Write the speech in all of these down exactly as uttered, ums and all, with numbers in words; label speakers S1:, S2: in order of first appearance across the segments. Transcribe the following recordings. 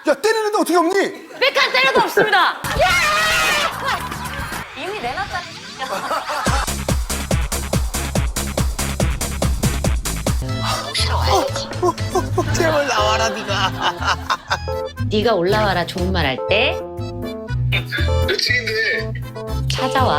S1: 야, 때리는데 어떻게 없니?
S2: 백한 때려도 없습니다. 이미 내놨잖아.
S1: 어, 어, 어, 제발 나와라, 네가.
S2: 네가 올라와라 좋은 말 할 때
S3: 며칠인데
S2: 찾아와.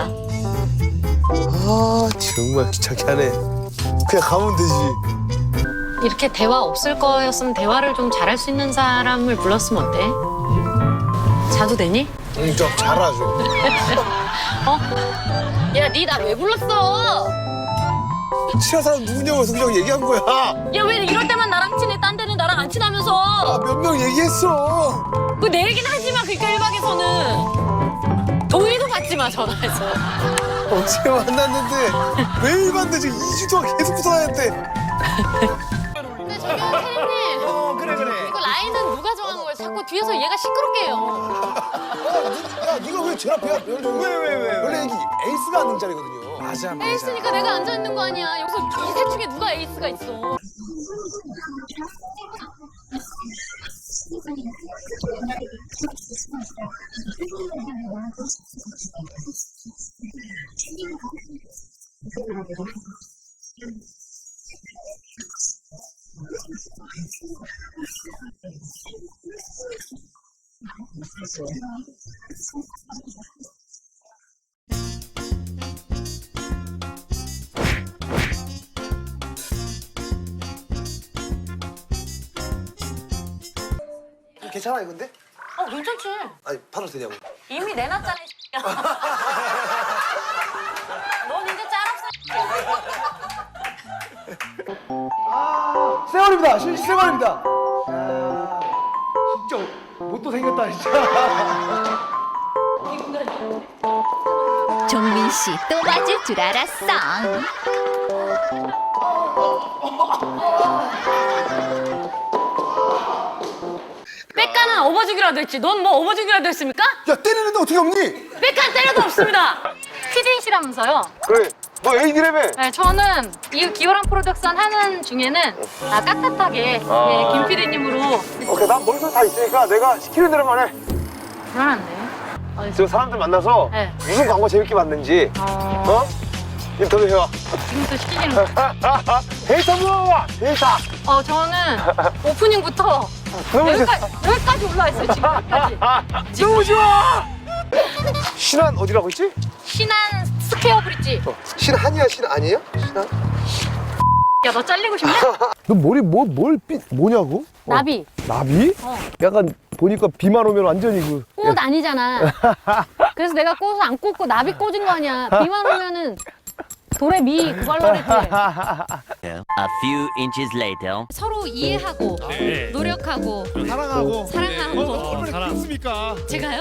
S1: 아, 정말 귀찮게 하네. 그냥 가면 되지.
S2: 이렇게 대화 없을 거였으면 대화를 좀 잘할 수 있는 사람을 불렀으면 어때? 자도 되니?
S1: 응, 좀 잘하죠.
S2: 어? 야, 니 나 왜 불렀어?
S1: 친한 사람 누구냐고 해서 그냥 얘기한 거야.
S2: 야, 왜 이럴 때만 나랑 친해? 딴 데는 나랑 안 친하면서.
S1: 아, 몇 명 얘기했어.
S2: 그 내 얘기는 하지 마, 그러니까 일 박에서는. 동의도 받지 마, 전화해서.
S1: 어제 만났는데 매일 봤는데 지금 이 주 동안 계속 붙어다녔대.
S2: 근데 저기 태린님.
S1: 어, 그래, 그래.
S2: 이거 라인은 누가 정한 거예요? 자꾸 뒤에서 얘가 시끄럽게 해요.
S1: 야, 네가 왜 제일 앞이야? 왜, 왜, 왜? 원래 여기 에이스가 앉는 자리거든요. 맞아, 맞아.
S2: 에이스니까 내가 앉아있는 거 아니야. 여기서 이 셋 중에 누가 에이스가 있어.
S1: 괜찮아, 이건데?
S2: 어, 괜찮지.
S1: 아니, 팔아도 되냐고.
S2: 이미 내놨잖아, 이 새끼야. 넌 이제 짤없어.
S1: 생활입니다. 실 생활입니다. 야, 진짜 못도 생겼다, 진짜.
S4: 종민 씨 또 맞을 줄 알았어.
S2: 백가는 업어주기라도 했지. 넌 뭐 업어주기라도 했습니까?
S1: 야, 때리는데 어떻게 없니?
S2: 백간 때려도 없습니다. 피디이시라면서요?
S1: 그래, 너 에이디라며.
S2: 네, 저는 이 기호랑 프로덕션 하는 중에는 아, 깍듯하게 예, 김 피디님으로
S1: 오케이, 난 머릿속 다 있으니까 내가 시키는 대로만 해.
S2: 불안한데. 어디서?
S1: 지금 사람들 만나서
S2: 네.
S1: 무슨 광고 재밌게 봤는지,
S2: 어,
S1: 어? 인터뷰 해와.
S2: 지금부터 시키기는 거.
S1: 데이터 모아와, 데이터.
S2: 어, 저는 오프닝부터
S1: 너무 좋아.
S2: 여기까지, 여기까지 올라와 있어요, 지금 여기까지.
S1: 너무 좋아. 신한 어디라고 했지?
S2: 신한 스퀘어 브릿지.
S1: 신한이야, 신아니에요? 신한?
S2: 야, 너 잘리고 싶냐?
S1: 너 머리 뭐, 뭘 삐, 뭐냐고? 어.
S2: 나비.
S1: 나비?
S2: 어.
S1: 약간 보니까 비만 오면 완전히 그.
S2: 꽃 아니잖아. 그래서 내가 꽃을 안 꽂고 나비 꽂은 거 아니야. 비만 오면은 돌에 미 그걸로 그랬지.
S5: A few inches later.
S2: 서로 이해하고 노력하고
S1: 사랑하고.
S2: 사랑하고.
S1: 얼마나 그렇습니까?
S2: 제가요?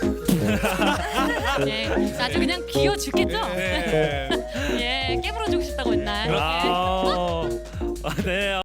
S2: 예, 아주 그냥 귀여 죽겠죠? 예, 깨물어 주고 싶다고 했나?
S6: 아, 아, 네.